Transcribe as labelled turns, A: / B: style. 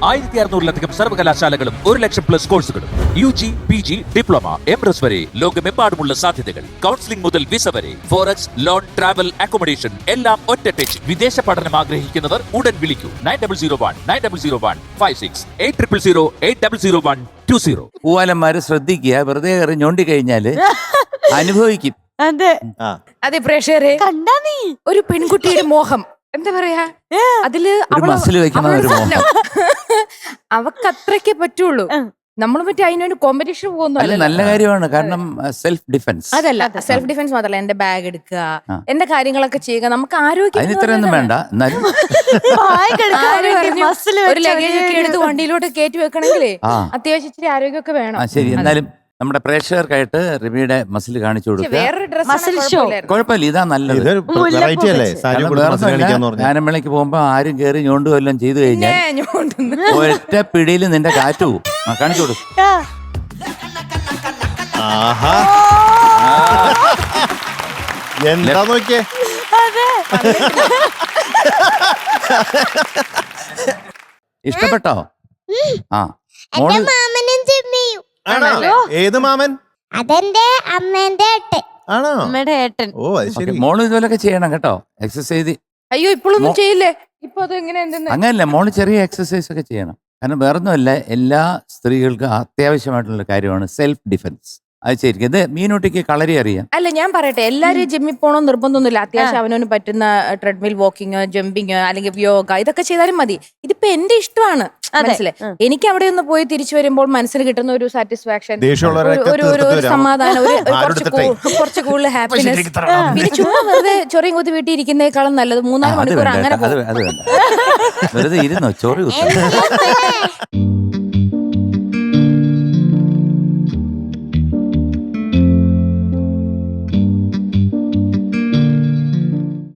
A: 1600-ലധികം സർവകലാശാലകളും 1,00,000+ കോഴ്സുകളും UG, PG, diploma, MS വരെ ലോകമെമ്പാടുമുള്ള സാധ്യതകൾ. കൗൺസിലിംഗ് മുതൽ വിസ വരെ, ഫോറക്സ്, ലോൺ, ട്രാവൽ, അക്കോമഡേഷൻ എല്ലാം ഒറ്റ ടച്ച്. വിദേശ പഠനം ആഗ്രഹിക്കുന്നവർ ഉടൻ വിളിക്കൂ 9001 800 800120.
B: പൂവാലന്മാര് ശ്രദ്ധിക്കുക, വെറുതെ കയറി ഞോണ്ടി കഴിഞ്ഞാല് അനുഭവിക്കും.
C: അതെ
D: അതെ പ്രേക്ഷകരെ,
C: കണ്ടാ നീ
D: ഒരു പെൺകുട്ടിയുടെ മോഹം എന്താ പറയാ, അതില്
B: ഒരു മസിൽ വെക്കണം ഒരു മോഹം.
D: അവക്ക് അത്രയ്ക്കേ പറ്റുള്ളൂ. നമ്മൾ മറ്റേ അതിനൊരു കോമ്പറ്റീഷൻ
B: അല്ല,
D: പോകുന്നു.
B: നല്ല കാര്യമാണ്. കാരണം സെൽഫ് ഡിഫൻസ്.
D: അതല്ല, സെൽഫ് ഡിഫൻസ് മാത്രല്ല, എന്റെ ബാഗ് എടുക്കുക, എന്റെ കാര്യങ്ങളൊക്കെ ചെയ്യുക. നമുക്ക് ആരോഗ്യം
B: അതിന് ഇത്രയൊന്നും വേണ്ട. എന്നാലും
D: ഒരു ലഗേജ് ഒക്കെ എടുത്ത് വണ്ടിയിലോട്ട് കയറ്റി വെക്കണമെങ്കിലേ അത്യാവശ്യം ഇച്ചിരി ആരോഗ്യമൊക്കെ വേണം.
B: ശരി, എന്നാലും നമ്മുടെ പ്രേക്ഷകർക്കായിട്ട് റിമിയുടെ മസിൽ കാണിച്ചു കൊടുക്കുക.
D: വേറൊരു
C: മസിൽ ഷോ.
D: ഡ്രസ്
B: കുഴപ്പമില്ല, ഇതാ നല്ലത്. ഗാനമേളയ്ക്ക് പോകുമ്പോ ആരും കയറി ഞോണ്ടു വല്ലതും ചെയ്തു കഴിഞ്ഞാൽ ഒറ്റ പിടിയിൽ നിന്റെ കാറ്റു പോകും. കാണിച്ചു കൊടുക്കും.
E: എന്താ നോക്കിയേ,
B: ഇഷ്ടപ്പെട്ടോ? ആ, മോള്
E: ഏത് മാമൻ?
F: അതെന്റെ അമ്മേന്റെ ഏട്ടൻ.
E: ആണോ?
C: അമ്മയുടെ ഏട്ടൻ.
E: ഓ അത് ശരി.
B: മോള് ഇതുപോലൊക്കെ ചെയ്യണം കേട്ടോ, എക്സസൈസ്.
D: അയ്യോ ഇപ്പോഴൊന്നും ചെയ്യില്ലേ? ഇപ്പൊ അത് എങ്ങനെ
B: അങ്ങനല്ല, മോള് ചെറിയ എക്സസൈസ് ഒക്കെ ചെയ്യണം. കാരണം വേറൊന്നുമല്ല, എല്ലാ സ്ത്രീകൾക്കും അത്യാവശ്യമായിട്ടുള്ള കാര്യമാണ് സെൽഫ് ഡിഫൻസ്. അത് ശരിക്കും ഇത് മീനൂട്ടിക്ക് കളരി അറിയാം.
D: അല്ല, ഞാൻ പറയട്ടെ, എല്ലാരും ജിമ്മിൽ പോകണമെന്ന് നിർബന്ധമൊന്നുമില്ല. അത്യാവശ്യം അവനവന് പറ്റുന്ന ട്രെഡ്മിൽ വാക്കിങ്, ജമ്പിങ്, അല്ലെങ്കിൽ യോഗ, ഇതൊക്കെ ചെയ്താലും മതി. ഇതിപ്പോ എന്റെ ഇഷ്ടമാണ്, മനസ്സിലായി. എനിക്ക് അവിടെ ഒന്ന് പോയി തിരിച്ചു വരുമ്പോൾ മനസ്സിൽ കിട്ടുന്ന ഒരു സാറ്റിസ്ഫാക്ഷൻ, ഒരു സമാധാനം, കുറച്ച് കൂടുതൽ ഹാപ്പിനെസ്. പിന്നെ ചുമ്മാ വെറുതെ ചൊറിയും കുത്തി വീട്ടിൽ ഇരിക്കുന്നേക്കാളും നല്ലത് 3-4 മണിക്കൂർ അങ്ങനെ
B: അത് വേണ്ട, വെറുതെ ഇരുന്നോ ചോറി കുത്തി.